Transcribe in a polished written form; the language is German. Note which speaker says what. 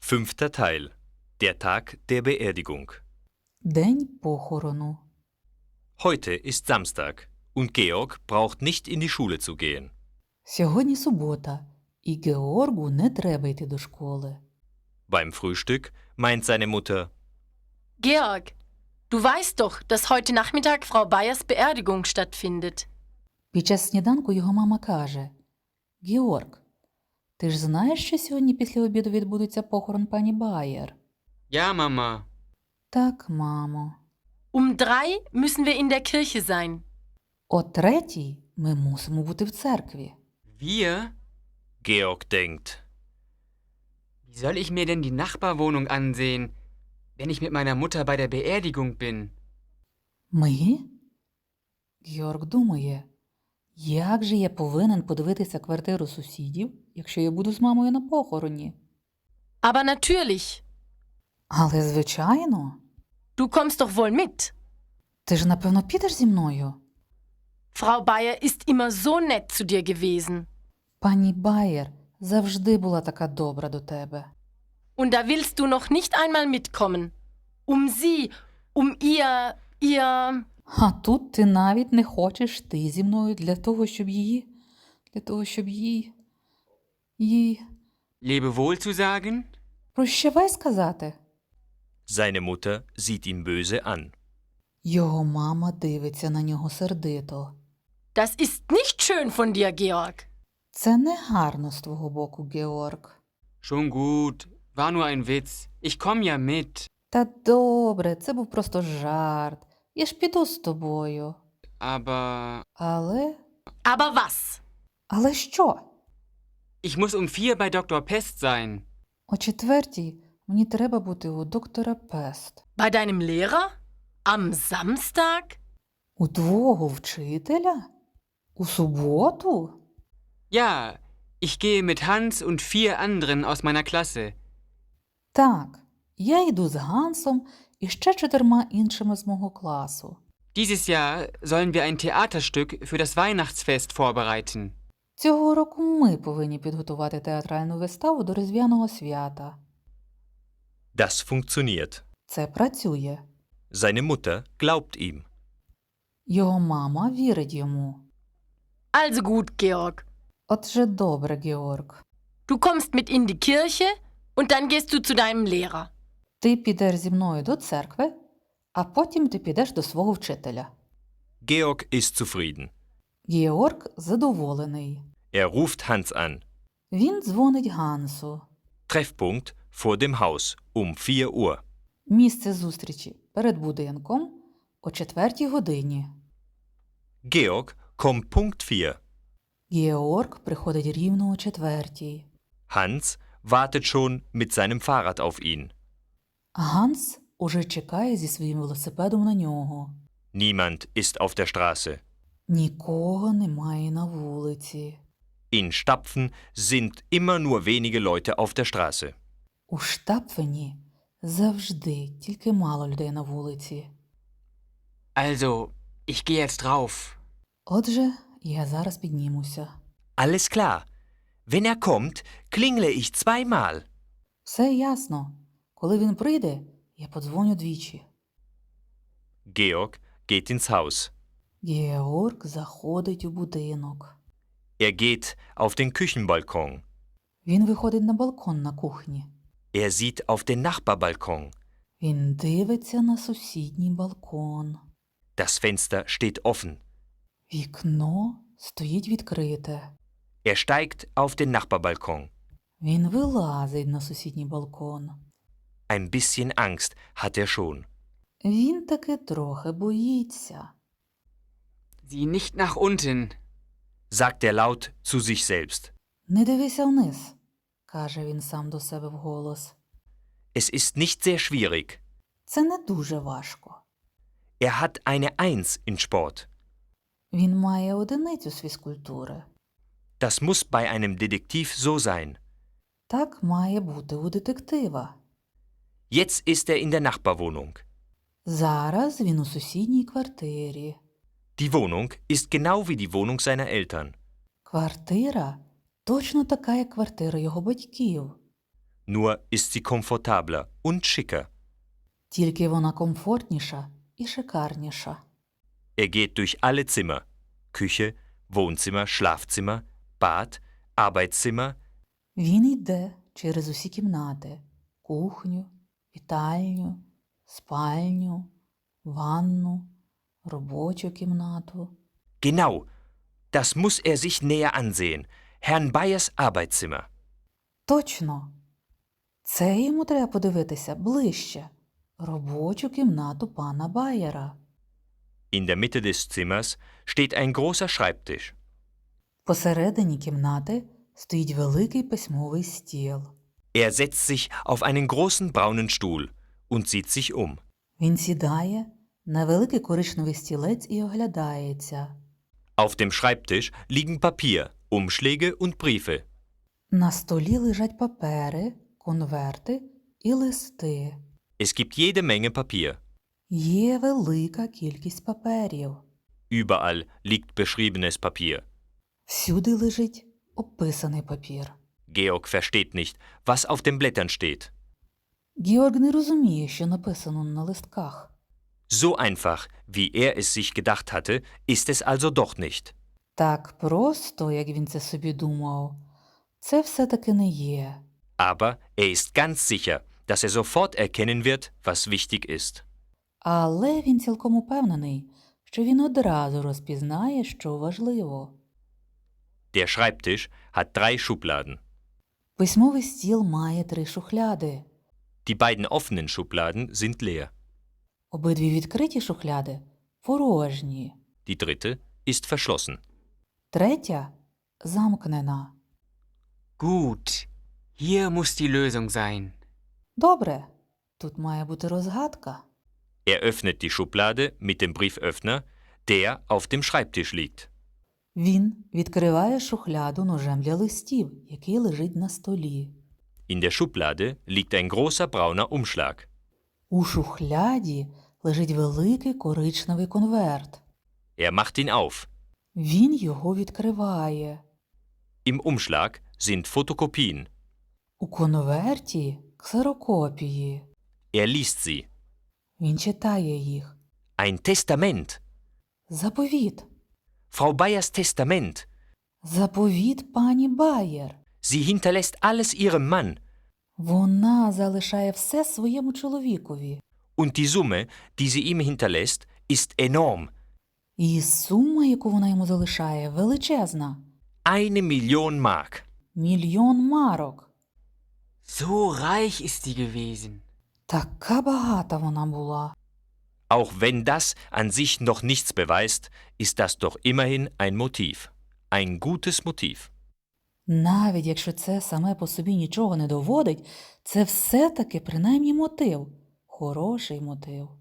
Speaker 1: Fünfter Teil. Der Tag der Beerdigung.
Speaker 2: День похорону.
Speaker 1: Heute ist Samstag und Georg braucht nicht in die Schule zu gehen.
Speaker 2: Сьогодні субота, і Георгу не треба йти до школи.
Speaker 1: Beim Frühstück meint seine Mutter:
Speaker 3: Georg, du weißt doch, dass heute Nachmittag Frau Bayers Beerdigung stattfindet.
Speaker 2: Під час сніданку його мама каже: «Георг, ти ж знаєш, що сьогодні після обіду відбудеться похорон пані Байер?»
Speaker 4: Ja, Mama.
Speaker 2: «Так, мамо.
Speaker 3: Um 3 müssen wir in der Kirche sein.
Speaker 2: О 3:00 ми мусимо бути в церкві».
Speaker 4: Wir?
Speaker 1: Georg denkt:
Speaker 4: Wie soll ich mir denn die Nachbarwohnung ansehen, wenn ich mit meiner Mutter bei der Beerdigung bin?
Speaker 2: «Ми?» Георг думає, як же я повинен подивитися квартиру сусідів, якщо я буду з мамою на похороні?
Speaker 3: Aber natürlich,
Speaker 2: Але, звичайно,
Speaker 3: du kommst doch wohl mit.
Speaker 2: ти ж, напевно, підеш зі мною?
Speaker 3: Frau Bayer ist immer so nett zu dir gewesen.
Speaker 2: Пані Байер завжди була така добра до тебе.
Speaker 3: Und da willst du noch nicht einmal mitkommen. Um sie, um ihr...
Speaker 2: А тут ти навіть не хочеш йти зі мною для того, щоб їй...
Speaker 4: Lebewohl zu sagen?
Speaker 2: Прощавай сказати.
Speaker 1: Seine Mutter sieht ihn böse an.
Speaker 2: Його мама дивиться на нього сердито.
Speaker 3: Das ist nicht schön von dir, Georg.
Speaker 2: Це не гарно з твого боку, Георг.
Speaker 4: Schon gut. War nur ein Witz. Ich komm ja mit.
Speaker 2: Та добре, це був просто жарт. Я ж піду з тобою.
Speaker 4: Aber
Speaker 2: Але...
Speaker 3: Aber was?
Speaker 2: Але що?
Speaker 4: ich muss um 4 bei Dr. Pest sein.
Speaker 2: О 4:00 мені треба бути у доктора Пест.
Speaker 3: Bei deinem Lehrer? Am Samstag?
Speaker 2: У твого вчителя? У суботу?
Speaker 4: Ja, ich gehe mit Hans und 4 anderen aus meiner Klasse.
Speaker 2: Так, я йду з Гансом і ще 4 іншими з мого класу.
Speaker 4: Dieses Jahr sollen wir ein Theaterstück für das Weihnachtsfest vorbereiten.
Speaker 2: Цього року ми повинні підготувати театральну виставу до Різдвяного свята.
Speaker 1: Das funktioniert.
Speaker 2: Це працює.
Speaker 1: Seine Mutter glaubt ihm.
Speaker 2: Його мама вірить йому.
Speaker 3: Also gut, Georg.
Speaker 2: Отже, добре, Георг.
Speaker 3: Du kommst mit in die Kirche und dann gehst du zu deinem Lehrer.
Speaker 2: Ти підеш зі мною до церкви, а потім ти підеш до свого вчителя.
Speaker 1: Georg ist zufrieden.
Speaker 2: Георг задоволений.
Speaker 1: Ruft Hans an.
Speaker 2: Він дзвонить Гансу.
Speaker 1: Treffpunkt vor dem Haus um 4 Uhr.
Speaker 2: Місце зустрічі перед будинком о 4:00.
Speaker 1: Georg kommt Punkt 4.
Speaker 2: Георг приходить рівно о 4:00.
Speaker 1: Hans wartet schon mit seinem Fahrrad auf ihn.
Speaker 2: Ганс уже чекає зі своїм велосипедом на нього.
Speaker 1: Niemand ist auf der Straße.
Speaker 2: Нікого немає на вулиці.
Speaker 1: In Stapfen sind immer nur wenige Leute auf der Straße.
Speaker 2: У Штапфені завжди тільки мало людей на вулиці.
Speaker 4: Also, ich gehe jetzt rauf.
Speaker 2: Отже, я зараз піднімуся.
Speaker 1: Alles klar. Wenn kommt, klingle ich zweimal.
Speaker 2: Все ясно. Коли він прийде, я подзвоню двічі.
Speaker 1: Georg geht ins Haus.
Speaker 2: Георг заходить у будинок.
Speaker 1: Geht auf den Küchenbalkon.
Speaker 2: Він виходить на балкон на кухні.
Speaker 1: Sieht auf den Nachbarbalkon.
Speaker 2: Він дивиться на сусідній балкон.
Speaker 1: Das Fenster steht offen.
Speaker 2: Вікно стоїть відкрите.
Speaker 1: Steigt auf den Nachbarbalkon.
Speaker 2: Він вилазить на сусідній балкон.
Speaker 1: Ein bisschen Angst hat schon.
Speaker 2: Він таки трохи боїться.
Speaker 4: Sieh nicht nach unten.
Speaker 1: Sagt laut zu sich selbst.
Speaker 2: Не дивися вниз, каже він сам до себе вголос.
Speaker 1: Es ist nicht sehr schwierig.
Speaker 2: Це не дуже важко.
Speaker 1: Hat eine 1 in Sport.
Speaker 2: Він має 1 з фізкультури.
Speaker 1: Das muss bei einem Detektiv so sein.
Speaker 2: Так має бути у детектива.
Speaker 1: Jetzt ist in der Nachbarwohnung.
Speaker 2: Зараз він у сусідній квартирі.
Speaker 1: Die Wohnung ist genau wie die Wohnung seiner Eltern.
Speaker 2: Квартира точно така, як квартира його батьків.
Speaker 1: Nur ist sie komfortabler und schicker.
Speaker 2: Тільки вона комфортніша і шикарніша.
Speaker 1: Er geht durch alle Zimmer. Küche, Wohnzimmer, Schlafzimmer, Bad, Arbeitszimmer.
Speaker 2: Він йде через усі кімнати: кухню, вітальню, спальню, ванну, робочу кімнату.
Speaker 1: Genau, das muss er sich näher ansehen. Herrn Bayers Arbeitszimmer.
Speaker 2: Точно! Це йому треба подивитися ближче. Робочу кімнату пана Байера.
Speaker 1: In der Mitte des Zimmers steht ein großer Schreibtisch.
Speaker 2: Посередині кімнати стоїть великий письмовий стіл.
Speaker 1: Er setzt sich auf einen großen braunen Stuhl und sieht sich um.
Speaker 2: Він сідає на великий коричневий стілець і оглядається.
Speaker 1: Auf dem Schreibtisch liegen Papier, Umschläge und Briefe.
Speaker 2: На столі лежать папери, конверти і листи.
Speaker 1: Es gibt jede Menge Papier.
Speaker 2: Є велика кількість паперів.
Speaker 1: Überall liegt beschriebenes Papier.
Speaker 2: Всюди лежить описаний папір.
Speaker 1: Georg versteht nicht, was auf den Blättern steht.
Speaker 2: Георг не розуміє, що написано на листках.
Speaker 1: So einfach, wie er es sich gedacht hatte, ist es also doch nicht.
Speaker 2: Так просто, як він це собі думав, це все-таки не є.
Speaker 1: Aber er ist ganz sicher, dass er sofort erkennen wird, was wichtig ist.
Speaker 2: Але він цілком упевнений, що він одразу розпізнає, що важливо.
Speaker 1: Der Schreibtisch hat 3 Schubladen.
Speaker 2: Письмовий стіл має 3 шухляди.
Speaker 1: Die beiden offenen Schubladen sind leer.
Speaker 2: Обидві відкриті шухляди порожні.
Speaker 1: Die dritte ist verschlossen.
Speaker 2: Третя замкнена.
Speaker 4: Gut, hier muss die Lösung sein.
Speaker 2: Добре, тут має бути розгадка.
Speaker 1: Er öffnet die Schublade mit dem Brieföffner, der auf dem Schreibtisch liegt.
Speaker 2: Він відкриває шухляду ножем для листів, який лежить на столі.
Speaker 1: In der Schublade liegt ein großer brauner Umschlag.
Speaker 2: У шухляді лежить великий коричневий конверт.
Speaker 1: Er macht ihn auf.
Speaker 2: Він його відкриває.
Speaker 1: Im Umschlag sind Fotokopien.
Speaker 2: У конверті ксерокопії.
Speaker 1: Er liest sie.
Speaker 2: Він читає їх.
Speaker 1: Ein Testament.
Speaker 2: Заповіт.
Speaker 1: Frau Bayers Testament.
Speaker 2: Заповіт пані Байер.
Speaker 1: Sie hinterlässt alles ihrem Mann.
Speaker 2: Вона залишає все своєму чоловікові.
Speaker 1: Und die Summe, die sie ihm hinterlässt, ist enorm.
Speaker 2: І сума, яку вона йому залишає, величезна.
Speaker 1: 1 Million Mark.
Speaker 2: 1,000,000 марок.
Speaker 4: So reich ist sie gewesen.
Speaker 2: Така багата вона була.
Speaker 1: Auch wenn das an sich noch nichts beweist, ist das doch immerhin ein Motiv. Ein gutes Motiv.
Speaker 2: Навіть якщо це саме по собі нічого не доводить, це все-таки принаймні мотив. Хороший мотив.